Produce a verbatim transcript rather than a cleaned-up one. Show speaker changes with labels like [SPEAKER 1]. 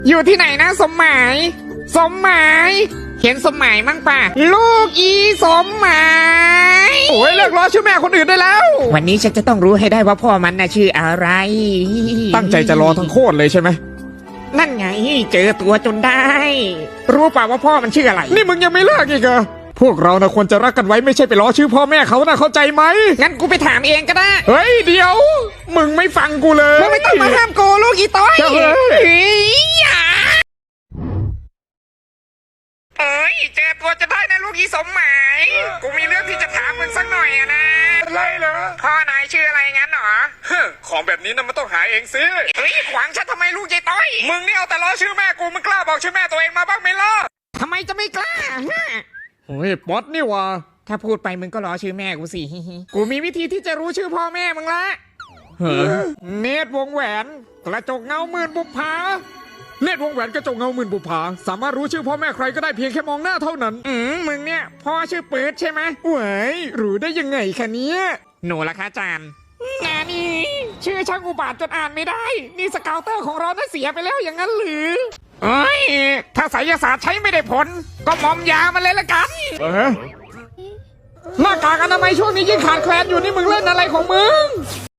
[SPEAKER 1] อยู่ที่ไหนนะสมหมายสมหมายเห็นสมหมายมั้งป่ะลูกอีสมหมายโอ้ยเลิกล้อชื่อแม่คนอื่นได้แล้ววันนี้ฉันจะต้องรู้ให้ได้ว่าพ่อมันน่ะชื่ออะไรตั้งใจจะรอทั้งโคตรเลยใช่ไหมนั่นไงเจอตัวจนได้ รู้ป่าว่าพ่อมันชื่ออะไรนี่มึงยังไม่เลิกอีกเหรอพวกเรานะควรจะรักกันไว้ไม่ใช่ไปล้อชื่อพ่อแม่เขานะเข้าใจไหมงั้นกูไปถามเองก็ได้เฮ้ยเดี๋ยวมึงไม่ฟังกูเลยมึงไม่ต้องมาห้ามกูลูกอีต้อยเฮ้ยอย่าเอ้ยเจอตัวจะได้นะลูกอีสมหมายกูมีเรื่องที่จะถามมึงสักหน่อยอะนะอะไรเหรอพ่อนายชื่ออะไรงั้นหรอของแบบนี้นะมันต้องหาเองสิเฮ้ยขวางฉันทำไมลูกยายต้อยมึงนี่เอาแต่ล้อชื่อแม่กูมึงกล้าบอกชื่อแม่ตัวเองมาบ้างไหมล่ะทำไมจะไม่กล้าโอ้ยป๊อตนี่วะถ้าพูดไปมึงก็ล้อชื่อแม่กูสิกูมีวิธีที่จะรู้ชื่อพ่อแม่มึงละเนตรวงแหวนกระจกเงาหมื่นบุปผาเนตรวงแหวนกระจกเงาหมื่นบุปผาสามารถรู้ชื่อพ่อแม่ใครก็ได้เพียงแค่มองหน้าเท่านั้นอืมมึงเนี่ยพ่อชื่อปื๊ดใช่ไหมเว้ยรู้ได้ยังไงคะเนี้ยหนูละคะจานนานี่ชื่อช่างอุบาทจนอ่านไม่ได้นี่สเกาเตอร์ของเราน่ะเสียไปแล้วอย่างนั้นหรือเอ้ยถ้าไสยศาสตร์ใช้ไม่ได้ผลก็มอมยามันเลยละกันเออหน้ากากอนามัยช่วงนี้ยิ่งขาดแคลนอยู่นี่มึงเล่นอะไรของมึง